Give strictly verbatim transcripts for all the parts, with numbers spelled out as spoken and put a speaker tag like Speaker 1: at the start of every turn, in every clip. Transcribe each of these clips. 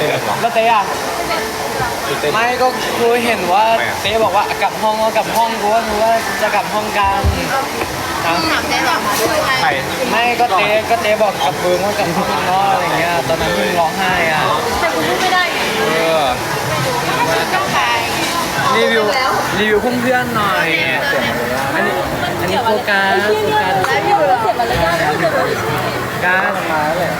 Speaker 1: แล้วเต้อะไม่ก็กูเห็นว่าเต้บอกว่ากลับห้องก็กลับห้องกูว่ากูว่าจะกลับห้องกัน
Speaker 2: ถามเจ๊หรอ
Speaker 1: ใช่ไม่ก็เต้ก็เต้บอกกับมึงว่ากลับห้องเนาะอะไรเงี้ยตอนนั้นมึงร้องไห้อ่ะ
Speaker 2: แต่กูพูดไม่ได้ไง
Speaker 1: เออ
Speaker 2: ต้องไป
Speaker 1: รีวิวรีวิวเพื่อนๆหน่อยอันนี้อันนี้โฟกัสโฟกัส
Speaker 2: แล้วอยู่แล้วเจ็บอะไรกัน
Speaker 1: การมาเลย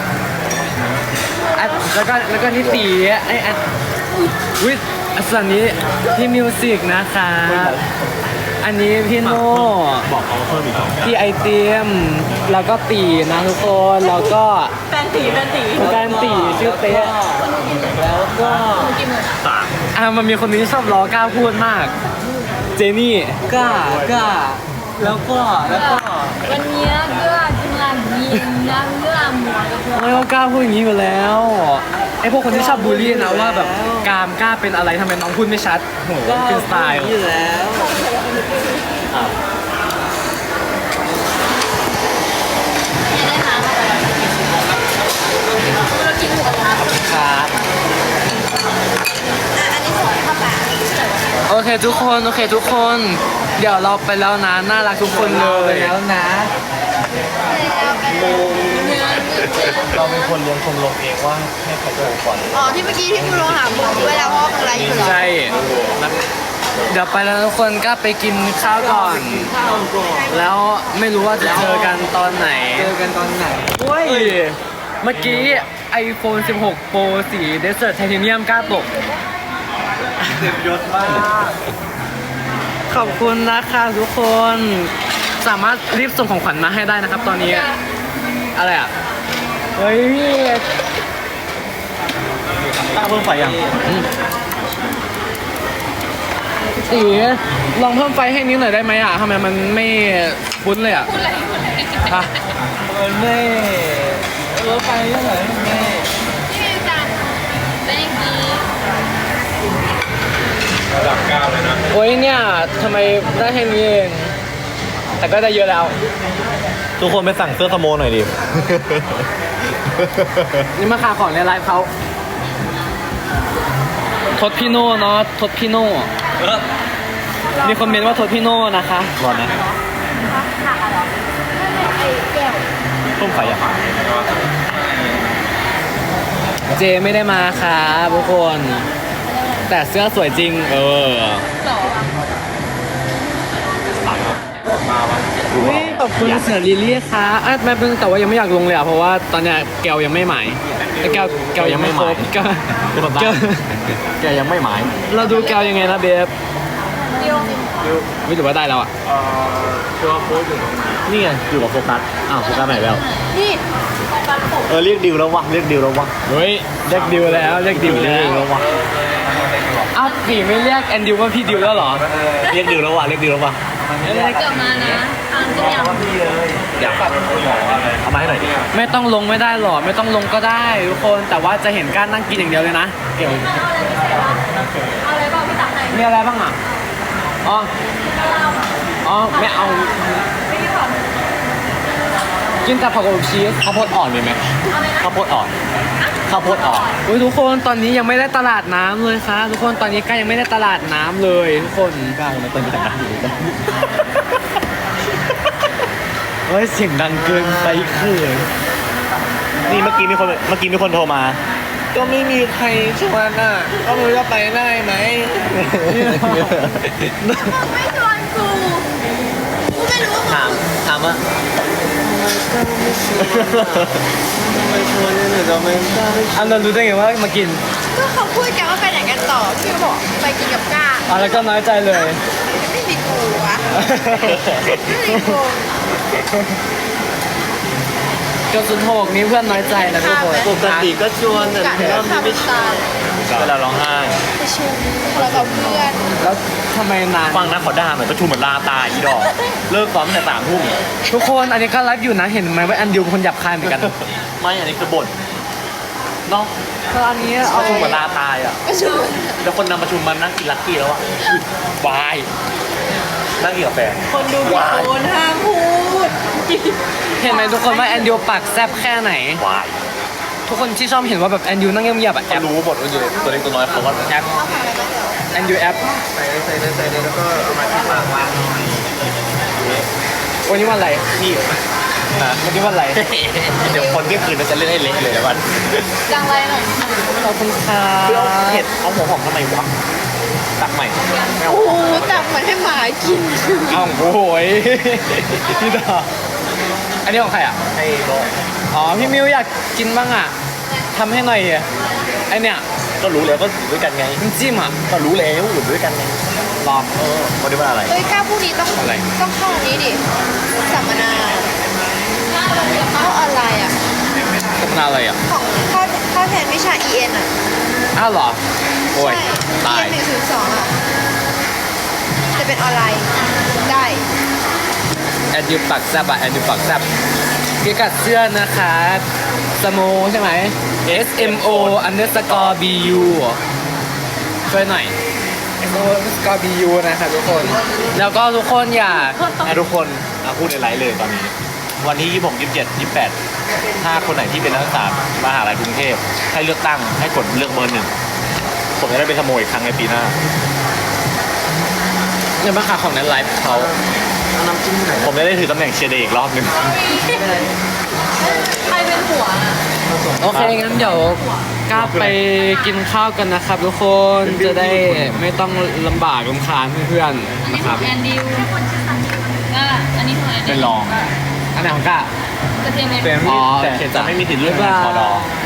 Speaker 1: แล้วก็แล้วก็นี่ตีไอ้อันวิส่วนนี้พี่มิวสิกนะคะอันนี้พี่โน่
Speaker 3: บอกเขาเพิ่มอีกสอง
Speaker 1: พี่ไอเตียมแล้วก็ตีนะทุกคนแล้วก็
Speaker 2: แฟนตีแฟนตี
Speaker 1: แฟนตีชื่อเต๊ะแล้วก็อ่ะมันมีคนนี้ชอบล้อกล้าพูดมากเจนี่กล้ากล้าแล้วก็แล้วก็
Speaker 2: วันนี้ก็ทำงานยิงนะเรื่องหมวก
Speaker 1: ไม่ก็กล้าพูดอย่างนี้อยู่แล้วไอพวกคนที่ชอบบูลลี่นะว่าแบบกามกล้าเป็นอะไรทำไมน้องพูดไม่ชัดโหเป็นสไตล์อยู่แล้วครับโอเคทุกคนโอเคทุกคนเดี๋ยวเราไปแล้วนะน่ารักทุกคนเลยแล้วนะเราเป็นคนเลี้ยงคนลงเองว่าให้ใครดูก่อน
Speaker 2: อ๋อที่เมื่อกี้ที่คุณลงหาผมด้วยแล้วเพราะอะไรอยู่หรอ
Speaker 1: ใช่เดี๋ยวไปแล้วทุกคนก็ไปกินข้าวก่อนแล้วไม่รู้ว่าจะเจอกันตอนไหนเจอกันตอนไหนเฮ้ยเมื่อกี้ iPhone สิบหก Pro สี Desert Titanium กล้าตกเต็มยศมากขอบคุณนะคะทุกคนสามารถรีบส่งของขวัญมาให้ได้นะครับตอนนี้อะไรอ่ะเฮ้ย
Speaker 3: ตั้งเพิ่มไฟยัง
Speaker 1: อีลองเพิ่มไฟให้นิ้วหน่อยได้ไหมอ่ะทำไมมันไม่คุ้นเลยอ่ะฮะมันไม่เออไฟเท่าไหร่ไม่
Speaker 2: ที่จันเป็นอย่างนี้
Speaker 3: ระดับเก้าเลยนะ
Speaker 1: โอ้ยเนี่ยทำไมได้แค่นี้เองแต่ก็ได้เยอะแล้ว
Speaker 3: ทุกคนไปสั่งเสื้อสโมหน่อยดิ
Speaker 1: นี่มาขายของในไลฟ์เขาทดพี่โน่เนาะทดพี่โน่มีคอมเมนต์ว่าทดพี่โน่นะคะ
Speaker 3: ร้อนนะต้มไข่อะ
Speaker 1: เจไม่ได้มาค่ะทุกคนแต่เสื้อสวยจริงเออขอบคุณเสือลิลี่ค่ะอ่ะแม่เพิ่งแต่ว่ายังไม่อยากลงเลยอ่ะเพราะว่าตอนเนี้ยแก้วยังไม่หมายแก้วแก้วยังไม่ครบแก้วแก้ว
Speaker 3: แกยังไม่หมาย
Speaker 1: เราดูแก้วยังไงนะเบฟไม่ถือว่าได้แล้วอ่ะ
Speaker 3: ตัวโค้ดอยู่ตรงไหนนี่ไงอยู่กับโฟกัสอ้าวโฟกัสไหนแล้ว
Speaker 2: นี่
Speaker 3: เออเรียกดิวแล้ววะเรียกดิวแล้ววะ
Speaker 1: เฮ้ยเรียกดิวแล้วเรียกดิวแล้ว
Speaker 3: วะ
Speaker 1: อ้าวพี่ไม่เรียกแอนดิวว่าพี่ดิวแล้วเหรอ
Speaker 3: เรียกดิวแล้ววะเรียกดิวแล้ววะ
Speaker 2: เกิดมานะทางจะยัง
Speaker 3: อยากเอามาให้หน่อยดิ
Speaker 1: ไม่ต้องลงไม่ได้หรอไม่ต้องลงก็ได้ทุกคนแต่ว่าจะเห็นการนั่งกินอย่างเดียวเลยนะเกี่ยว
Speaker 2: อะไรบ้างพี่ตักไหน
Speaker 1: มีอะไรบ้างอ่ะอ๋ออ๋อไม่เอากินแต่ผักอบชีส
Speaker 3: ข้าวโพดอ่อนมีไหมข้าวโพดอ่อนข้าวโพดอ่อน
Speaker 1: อุ้ยทุกคนตอนนี้ยังไม่ได้ตลาดน้ำเลยค่ะทุกคนตอนนี้ก้ายังไม่ได้ตลาดน้ำเลยทุกคน
Speaker 3: ก้ายังไม่เติมตลาดน้ำอยู่เลย
Speaker 1: เฮ้ยเสียงดังเกินไปคือ
Speaker 3: นี่เมื่อกี้มีคนเมื่อกี้มีคนโทรมา
Speaker 1: ก็ไม่มีใครชวนน่ะก็ไม่รู้จะไปได้ไหม
Speaker 2: ไม่ชวนกูกูไม่รู้
Speaker 1: ถามถามว่าอันนั้นรู้ได้ไงว่ามากิน
Speaker 2: ก็เขาพูดกันว่าไปไหนกันต่อพี่บอกไปกินกับก้า
Speaker 1: อ๋อแล้วก็น้อยใจเลย
Speaker 2: ไม่มีกูวะไม่มีกู
Speaker 1: จนสุดโหกนี้เพื่อนน้อยใจนะทุกคนปกติก็ชวนแต่รอบนี้ไม่ชวน
Speaker 3: เวลาร้องไห้
Speaker 2: ไปชวนเรากับเพื่อน
Speaker 1: แล้วทำไมนาน
Speaker 3: ฟังนะขอด่าหน่อยประชุมเหมือนลาตายอีดอกเลิกซ้อมแต่สามทุ่ม
Speaker 1: ทุกคนอันนี้ก็ไลฟ์อยู่นะเห็นไหมว่าอันดิวเป็นคนหยับคายเหมือนกัน
Speaker 3: ไม่อันนี้คือบ่นน้อง
Speaker 1: ก็อันนี้เอา
Speaker 3: ประชุมเหมือนลาตายอ่ะแล้วคนนำประชุมมันนั่งกินลักกี้แล้วอ่ะวายนั่งกินกาแฟ
Speaker 2: คนดูโอนห้ามพูด
Speaker 1: เห็นไหมทุกคนว่าแอนดิวปากแซ่บแค่ไหน
Speaker 3: วาย
Speaker 1: ททุกคนที่ชอบเห็นว่าแบบแอนดิวนั่งเงียบๆอะแอ
Speaker 3: เขา
Speaker 1: ป
Speaker 3: รู้หมดว่าอยู่ตัวเล็กตัวน้อยเขาก็
Speaker 1: แอปแอนดิวแอป
Speaker 3: ใส่ใส่ใส่แล้วก็เอามาที่ปากวางหน่อย
Speaker 1: วันนี้วันอะไร
Speaker 3: พี่นะ
Speaker 1: วันนี้วันอะไร
Speaker 3: เดี๋ยวคนที่คืนมันจะเล่นให้เละเลยนะวัน
Speaker 2: จังไรหน่อย
Speaker 1: ขอบคุณค่ะ
Speaker 3: เพื่อเอาเห็ดเอาหัวหอมทำไมวะตักใหม่ไม่เอา
Speaker 2: โอ้โหจับเหมือนให้หมากิน
Speaker 1: อ้าวโอ้โหยพี่ดาอันนี้ของใครอ่ะ
Speaker 3: ให้ก็
Speaker 1: อ๋อพี่มิวอยากกินบ้างอ่ะทำให้หน่อยอ่ะไอเนี่ย
Speaker 3: ก็รู้แล้วก็อยู่ด้วยกันไง
Speaker 1: น้ำจิ้มอ่ะ
Speaker 3: ก็รู้แล้วอยู่ด้วยกันไง
Speaker 1: รอ
Speaker 3: เออวันนี้วันอะไร
Speaker 2: เฮ้ยก้าวผู้นี้ต้อง
Speaker 1: อะไร
Speaker 2: ต้องเข้าอันนี้ดิสัมมนาเข้าออนไลน์อ่ะ
Speaker 1: ทำงานอะไรอ่ะ
Speaker 2: ของเข้าเข้าแทนวิชา อี เอ็น อ่ะ
Speaker 1: อ้าวเหรอโอ้ย
Speaker 2: ใช่
Speaker 1: ตาย
Speaker 2: อี เอ็น หนึ่งศูนย์สองอ่ะจะเป็นออนไลน์ได้
Speaker 1: แอนดิวปักแซบอ่ะแอนดิวปักแซบพิกัดเสื้อนะคะสโมใช่ไหม S M O underscore B U ช่วยหน่อย S M O underscore B U นะครับทุกคน แล้วก็ทุกคนอย่า
Speaker 3: ให้ทุกคนเอาพูดในไลฟ์เลยตอนนี้ วันที่ยี่สิบหก ยี่สิบเจ็ด ยี่สิบแปดถ้าคนไหนที่เป็นนักศึกษามหาลัยกรุงเทพให้เลือกตั้งให้กดเลือกเบอร์หนึ่งผมจะได้เป็นขโมยอีกครั้งในปีหน้า
Speaker 1: เงินบ้างค่ะของนั้นไลฟ์เขา
Speaker 3: น้ำจิ้มไหนผมจะได้ถือตำแหน่งเชียร์เดย์อีกรอบหนึ่ง
Speaker 2: ใครเป็นหัวอ่ะ
Speaker 1: โอเค งั้นเดี๋ยวกล้าไปกินข้าวกันนะครับทุกคน จะได้ไม่ต้องลำบากลำคาญเพื่อนๆนะครับ
Speaker 2: แอนดิวอ่ะอันนี้ของแอนดิว
Speaker 3: เป็นรอง
Speaker 1: อันไหนของกล้า
Speaker 2: กระเทียมเม็ด
Speaker 3: เป็น
Speaker 1: อ๋อ
Speaker 3: แต่
Speaker 1: โอเค
Speaker 3: จะ
Speaker 1: จ้ะ
Speaker 3: ไม่มีติดเรื่อง
Speaker 1: บ๊าย
Speaker 3: งาน
Speaker 1: บาย
Speaker 3: พอดอ